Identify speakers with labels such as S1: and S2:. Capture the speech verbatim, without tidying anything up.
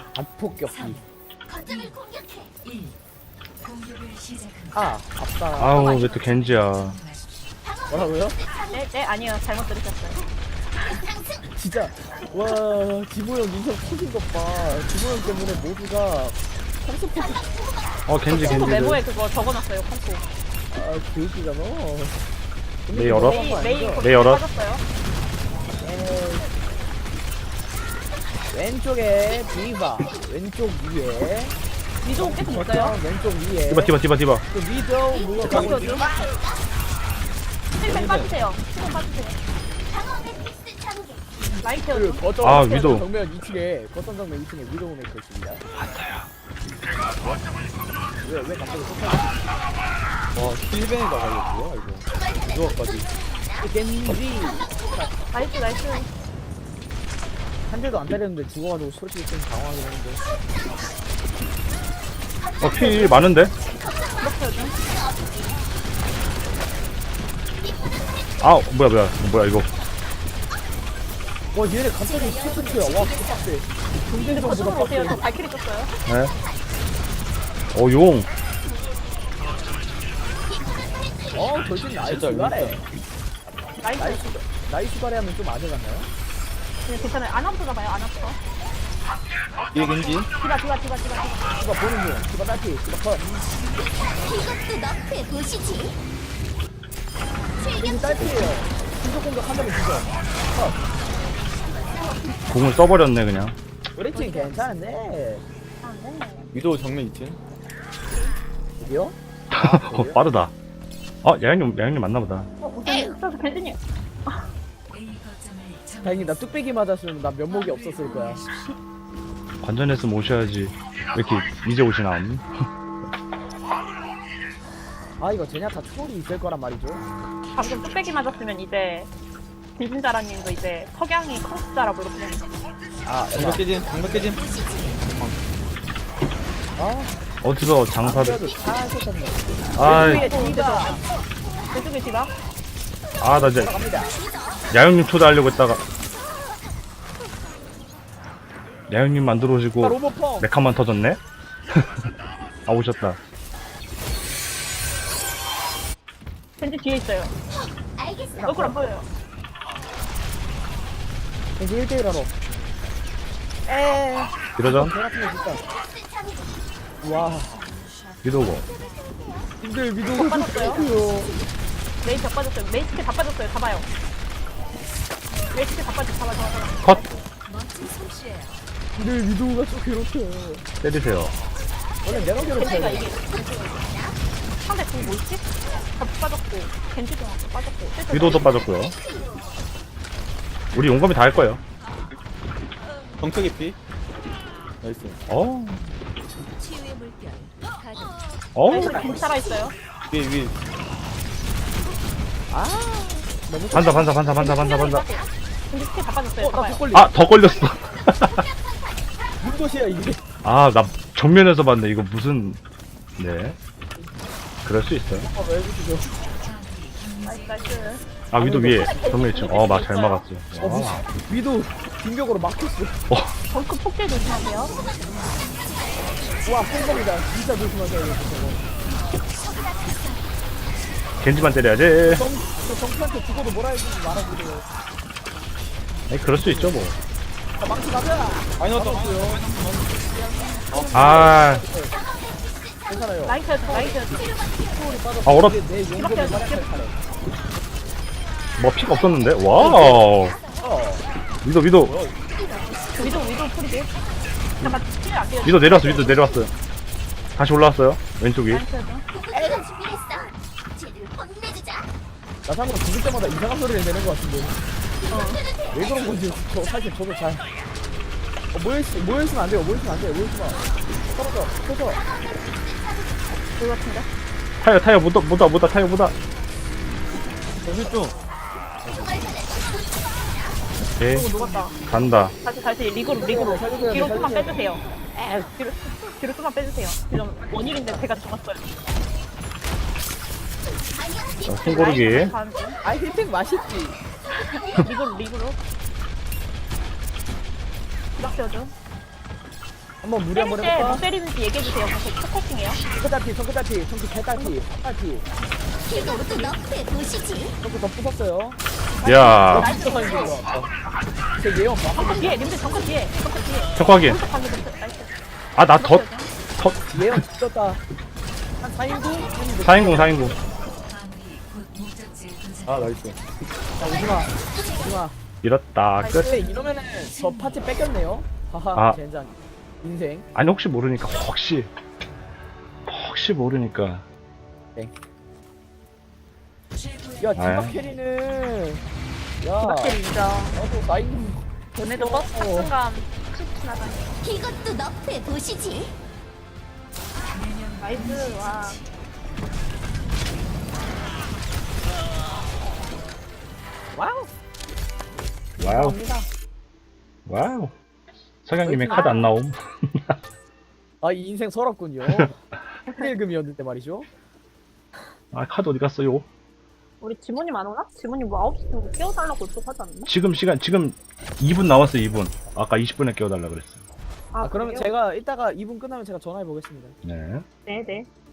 S1: 압폭격기.
S2: 거점을 공격해.
S1: 아, 앞다.
S3: 아우 왜 또 겐지야.
S1: 뭐라고요?
S4: 네, 네, 아니요. 잘못 들으셨어요.
S1: 진짜 와 지모형 인성 터진 것 봐. 지모형 때문에 모두가 컴스포트
S3: 어 겐지
S4: 콩코
S3: 겐지.
S4: 메모에 그거 적어놨어요, 콩코.
S1: 아 교육이잖아.
S3: 네, 열어?
S4: 메이, 메이
S3: 네,
S4: 거기
S3: 열어.
S4: 빠졌어요.
S1: 왼쪽에 디바, 왼쪽 위에
S4: 위도 계속 있어요.
S1: 왼쪽 위에
S3: 디바 디바 디바 디바.
S1: 그 미도 무엇
S4: 저기요, 좀. 힐백 빠지세요. 힐백 빠지세요. 라인
S1: 그
S4: 태워줘.
S1: 거점
S3: 아, 위도.
S1: 정면 이 층에 거점 정면 이 층에 위도 메이커 있습니다. 왜왜 갑자기 폭탄? 와 힐벤에다 걸렸고요 이거. 위도까지. 겐지
S4: 나이스, 나이스.
S1: 한 대도 안 때렸는데 죽어가지고 솔직히 좀 당황하긴 했는데.
S3: 어피 많은데? 아 뭐야 뭐야 뭐야 이거.
S1: 와 얘네 갑자기 스피트야. 와 빡세.
S4: 근데
S1: 경쟁전보다
S4: 거점으로 오세요. 저
S1: 빡세.
S4: 발키리 떴어요.
S3: 네. 어 용.
S1: 어 돌진 나이스 바래.
S4: 나이스.
S1: 나이스 나이스 바래 하면 좀 아재같나요?
S4: 그냥 괜찮아요. 안 아프다 봐요, 안 아파.
S1: 이게 겐지?
S4: 디바, 디바, 디바, 디바, 디바.
S1: 디바 보는 중. 디바 딸피. 디바 컷.
S2: 이것도 너프에 보시지.
S1: 겐지 딸피예요. 신속 공격 한다면 죽어. 컷.
S3: 공을 써버렸네 그냥.
S1: 우리 팀 괜찮은데.
S4: 아, 네.
S5: 위도 정면 이 층.
S1: 어디요?
S3: 어, 빠르다. 어 야영님 야영님 맞나보다.
S4: 어, 무슨, 저 벤츠님.
S1: 다행히 나 뚝배기 맞았으면 나 면목이 없었을 거야.
S3: 관전했으면 오셔야지. 왜 이렇게 이제 오시나?
S1: 아 이거 제냐타 트롤이 있을 거란 말이죠.
S4: 방금 뚝배기 맞았으면 이제 빌진자라님도 이제 석양이 컴스자라고 이렇게.
S1: 아
S5: 정면 깨짐, 정면 깨짐.
S1: 아
S3: 어디서 장사를?
S1: 그래도 다 하셨네.
S3: 아이
S1: 왼쪽에 디바.
S4: 왼쪽에 디바.
S3: 아 나 이제
S1: 갑니다.
S3: 야영님 초대하려고 했다가 야영님 만들어 오시고
S1: 아, 로봇펑.
S3: 메카만 터졌네? 아 오셨다.
S4: 벤츠 뒤에 있어요.
S2: 알겠어.
S4: 얼굴 안 보여요.
S1: 겐지 일 대일 하러. 에.
S3: 이러죠?
S1: 개 같은 거 진짜. 와.
S3: 위도고.
S1: 님들 미도
S4: 빠졌어요?
S1: 요
S4: 메이 다 빠졌어요. 메이 스킬 다 빠졌어요. 잡아요. 메이 스킬 다 빠졌어. 잡아, 잡아, 잡아.
S3: 컷.
S1: 님들 미도가 좀 괴롭혀.
S3: 때리세요.
S1: 원래 내가
S4: 벤츠가
S1: 괴롭혀.
S4: 이게. 상대 궁 뭐있지? 다 빠졌고, 벤츠도 빠졌고. 실제
S3: 위도도 빠졌고요. 우리 용감이 다 할 거예요.
S5: 정크 깊이. 나이스.
S3: 어. 어.
S4: 벤츠가 벤츠 살아있어요.
S5: 위에 위에.
S1: 아. 너무
S3: 반사 반사 반사 반사 반사 반사.
S4: 벤츠 스킬 다 빠졌어요.
S1: 어, 나
S4: 잡아요.
S1: 독걸리.
S3: 아 더 걸렸어.
S1: 무슨 것이야 이게?
S3: 아 나 정면에서 봤네. 이거 무슨 네. 그럴 수 있어요.
S1: 아, 왜 그러시죠?
S4: 나이스, 나이스.
S3: 아 위도 위에 정면 있죠. 어막 잘 막았어.
S1: 어, 무슨 위도 빈벽으로 막혔어.
S4: 덩크 폭질 조심하세요.
S1: 와, 팬범이다. 진짜 조심하세요. 이거 저거.
S3: 겐지만 때려야지.
S1: 정, 저 정수한테 죽어도 뭐라 해주지 말아주세요.
S3: 아니 그럴 수 있죠 뭐.
S1: 자, 망치 가자.
S5: 많이 넣었다.
S3: 아,
S1: 괜찮아요.
S4: 라인 켜줘, 라인 켜줘.
S3: 아 얼어.
S1: 이게 내 용도를 활약할 차례.
S3: 뭐 피가 없었는데. 와우.
S1: 어.
S3: 위도 위도
S4: 위도, 위도 프리딜. 잠깐, 스킬 안 돼요.
S3: 위도 내려왔어. 위도 내려왔어요. 다시 올라왔어요. 왼쪽이.
S4: 라인 켜줘.
S2: 내가 준비했어. 쟤들 혼내주자.
S1: 나 참고로 죽을 때마다 이상한 소리를 내는 것 같은데. 왜 그런 건지 저 사실 저도 잘. 어, 모여있, 모여있으면 안 돼요. 모여있으면 안 돼요. 모여있으면. 떨어져. 터져.
S4: 그거 같은데?
S3: 타요 타요 못다 못다 못다 타요 못다.
S5: 정신 좀.
S3: 오케이
S4: 오, 녹았다.
S3: 간다.
S4: 다시, 다시, 리그로, 리그로.
S1: 살려줘야 돼,
S4: 뒤로 좀만
S1: 살려줘야 돼.
S4: 빼주세요. 에, 뒤로, 뒤로 좀만 빼주세요. 지금 원일인데 제가 죽었어요.
S3: 자, 손고르기.
S4: 다음 중.
S1: 아, 힐팩 맛있지.
S4: 리그로, 리그로. 기박 세워줘.
S1: 한번 무리
S4: 때릴
S1: 한번
S4: 때 뭐
S1: 해볼까?
S4: 때리는지 얘기해주세요. 계속 포커싱해요.
S1: 청크 딸피 청크 딸피 청크 개딸피 딸피
S2: 이것도 너프의 도시지.
S1: 청크 더 부쉈어요.
S3: 야,
S1: 진짜 사인 거. 제 예언 봐.
S4: 정크 뒤에, 님들 정크 뒤에. 정크 뒤에.
S3: 척확인.
S4: 오른쪽 방금 됐어. 나이스.
S3: 아, 나 덧, 덧.
S1: 예언 미쳤다. 한 사인구?
S3: 사인공, 사인공.
S5: 아 나이스.
S1: 자 오지마 오지마.
S3: 이렇다, 끝.
S1: 근데 이러면은 저 파티 뺏겼네요. 하하
S3: 아.
S1: 젠장. 인생.
S3: 아니, 혹시 모르니까, 혹시. 혹시 모르니까.
S1: 야
S3: 아이.
S1: 디바 캐리는. 야
S4: 디바캐리 인정.
S1: 나도 사인구.
S4: 너네도 버스 탑 순간 툭 나가네.
S2: 이것도 너프의 도시지.
S4: 나이스, 와.
S1: 와우.
S3: 와우,
S1: 감사합니다.
S3: 와우. 석양님의 카드 안 나옴.
S1: 아, 이 인생 서럽군요. 일금이었는데 말이죠.
S3: 아, 카드 어디 갔어요?
S4: 우리 지모님 안 오나? 지모님 뭐 아홉 시 정도 깨워달라고 약속하지 않나?
S3: 지금 시간, 지금 이 분 남았어요, 이 분. 아까 이십 분에 깨워달라 그랬어요.
S1: 아, 그러면
S4: 그래요?
S1: 제가 이따가 이 분 끝나면 제가 전화해 보겠습니다.
S3: 네.
S4: 네네.